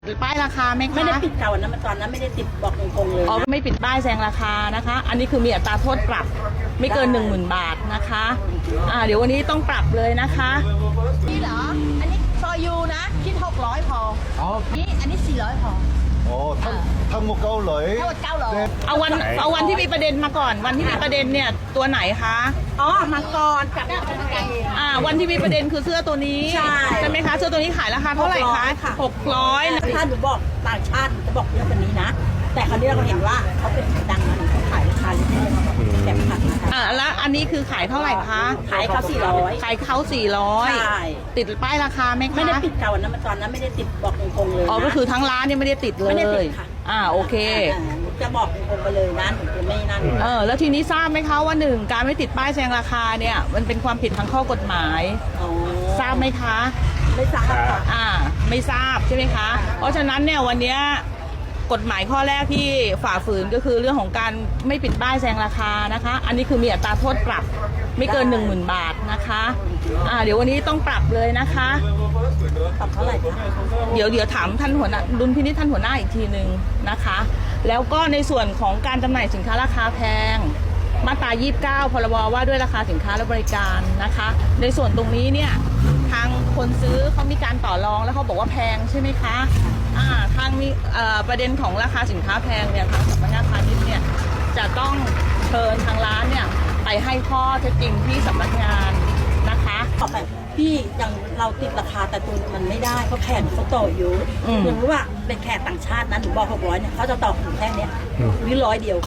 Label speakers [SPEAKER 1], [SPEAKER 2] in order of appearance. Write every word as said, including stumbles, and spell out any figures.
[SPEAKER 1] ป้ายราคาไหมคะ
[SPEAKER 2] ไม่ได้ปิดเก่านะมันตอนนั้นไม่ได้ติดบอกตรงๆเลย
[SPEAKER 1] อ๋อไม่ปิดป้ายแซงราคานะคะ อันนี้คือมีอัตราโทษปรับไม่เกิน หนึ่งหมื่น บาทนะคะอ่าเดี๋ยววันนี้ต้องปรับเลยนะคะนี่เหรออันนี้ซอยูนะคิดหกร้อยพออ๋อนี่อันนี้สี่ร้อยพอ
[SPEAKER 3] อ๋อทั้งทั้งหมดเก้าร้อย
[SPEAKER 1] ทั้งหมดเก้าร้อยเอาวันเอาวันที่มีประเด็นมาก่อนวันที่มีประเด็นเนี่ยตัวไหนคะ
[SPEAKER 2] อ๋อมังกรกับไก่
[SPEAKER 1] อ่าวันที่มีประเด็นคือเสื้อตัวนี้ใช่ใช่ไหมคะเสื้อตัวนี้ขายราคาเท่าไหร่คะหกร้อย
[SPEAKER 2] ถ้าหนูบอกต่างชาติจะบอกเยอะกว่านี้นะแต่คราวนี้เราก็เห็นว่าเขาเป็นดังนะเขาขายราคาเล็กๆแต่ผัก
[SPEAKER 1] อ่าแล้วอันนี้คือขายเท่าไหร่คะ
[SPEAKER 2] ขายเขาสี่ร้อย
[SPEAKER 1] ขายเขาสี่ร้อย
[SPEAKER 2] ใช่
[SPEAKER 1] ติดป้ายราคาไหมคะ
[SPEAKER 2] ไม่ได้ปิดเก่านะมันตอนนั้นไม่ได้ติดบอกตรงๆเลย
[SPEAKER 1] อ๋อก็คือทั้งร้านเนี่ยไม่ได้ติดเลย
[SPEAKER 2] ไม่ได้ติดค่ะ
[SPEAKER 1] อ่าโอเค
[SPEAKER 2] จะบอกตรงๆไปเลยนะหนูจะไม่นั่น
[SPEAKER 1] เออแล้วทีนี้ทราบไหมคะว่าหนึ่งการไม่ติดป้ายแซงราคาเนี่ยมันเป็นความผิดทางข้อกฎหมายทราบไหมคะ
[SPEAKER 2] ไม่ทราบค่ะ
[SPEAKER 1] อ่าไม่ทราบใช่ไหมคะเพราะฉะนั้นเนี่ยวันนี้กฎหมายข้อแรกที่ฝ่าฝืนก็คือเรื่องของการไม่ปิดป้ายแซงราคานะคะอันนี้คือมีอัตราโทษปรับไม่เกิน หนึ่งหมื่น บาทนะคะอ่าเดี๋ยววันนี้ต้องปรับเลยนะคะ
[SPEAKER 2] ปรับเท่าไหร่คะ
[SPEAKER 1] เดี๋ยวเดี๋ยวถามท่านหัวหน้าดุลพินิจท่านหัวหน้าอีกทีหนึ่งนะคะแล้วก็ในส่วนของการจำหน่ายสินค้าราคาแพงมาตรายี่สิบเก้าพรบว่าด้วยราคาสินค้าและบริการนะคะในส่วนตรงนี้เนี่ยทางคนซื้อเขามีการต่อรองแล้วเขาบอกว่าแพงใช่ไหมคะอ่าทางนี้ประเด็นของราคาสินค้าแพงเนี่ยทางสำนักงานพาณิชย์เนี่ยจะต้องเชิญทางร้านเนี่ยไปให้ข้อเท็จจริงที่สำนักงานนะคะ
[SPEAKER 2] ต่อไปพี่อย่างเราติดราคาแต่ตัวมันไม่ได้เพราะแขกเขาต่ออยู่อย่างรู้ว่าเป็นแขกต่างชาตินะหนูบอกหกร้อยเนี่ยเขาจะต่อถึงแค่นี้หรือร้อยเดียว